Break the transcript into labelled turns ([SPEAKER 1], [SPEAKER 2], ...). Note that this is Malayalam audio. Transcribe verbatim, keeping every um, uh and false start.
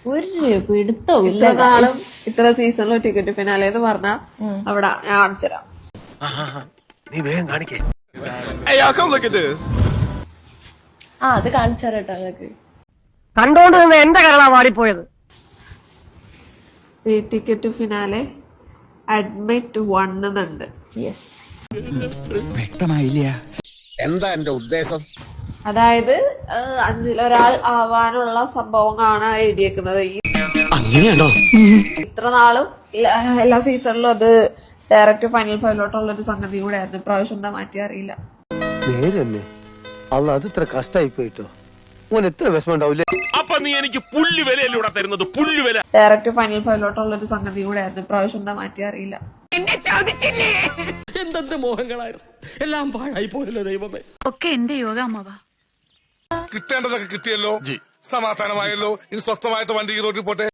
[SPEAKER 1] ഒരു പിടുത്തോ ഇല്ല.
[SPEAKER 2] ഇത്ര നാളും ഇത്ര സീസണിലും ടിക്കറ്റ് ഫിനാലെ എന്ന് പറഞ്ഞാ അവിടെ ഞാൻ കാണിച്ചുതരാം.
[SPEAKER 1] ആ അത് കാണിച്ചാരട്ടോ അതൊക്കെ
[SPEAKER 3] കണ്ടോണ്ട് നിന്ന് എന്റെ കരളാ വാടിപ്പോയത്.
[SPEAKER 2] ഈ ടിക്കറ്റ് ഫിനാലെ അഡ്മിറ്റ് വൺ എന്നുണ്ട്.
[SPEAKER 1] യെസ്,
[SPEAKER 4] വ്യക്തമായില്ല
[SPEAKER 5] എന്താ എന്റെ ഉദ്ദേശം.
[SPEAKER 2] അതായത് അഞ്ചിലൊരാൾ ആവാനുള്ള സംഭവങ്ങളാണ് എഴുതിയേക്കുന്നത്. ഈ ഇത്ര നാളും എല്ലാ സീസണിലും അത് ഡയറക്റ്റ് ഫൈനൽ ഫൈവിലോട്ടുള്ള ഒരു സംഗതി കൂടെ ആയിരുന്നു. ഇപ്രാവശ്യം എന്താ മാറ്റി അറിയില്ല.
[SPEAKER 6] നേരന്നെ അല്ല, അത് ഇത്ര കഷ്ടായി പോയിട്ടോ. ഓൻ എത്ര വിഷമം ഉണ്ടാവില്ലേ.
[SPEAKER 7] അപ്പൊ നീ എനിക്ക് പുല്ല് വിലയല്ലൂടെ തരുന്നത്, പുല്ല് വില.
[SPEAKER 2] ഡയറക്റ്റ് ഫൈനൽ ഫൈവിലോട്ടുള്ള ഒരു സംഗതി കൂടെ ആയിരുന്നു. ഇപ്രാവശ്യം എന്താ മാറ്റി അറിയില്ല.
[SPEAKER 7] എന്തെന്ത് മോഹങ്ങളായിരുന്നു, എല്ലാം പാഴായി പോയല്ലോ ദൈവമേ.
[SPEAKER 8] ഒക്കെ എന്റെ യോഗ അമ്മവാ.
[SPEAKER 9] കിട്ടേണ്ടതൊക്കെ കിട്ടിയല്ലോ, സമാധാനമായല്ലോ. ഇനി സ്വസ്ഥമായിട്ട് വണ്ടി ഈ റോഡിൽ പോട്ടെ.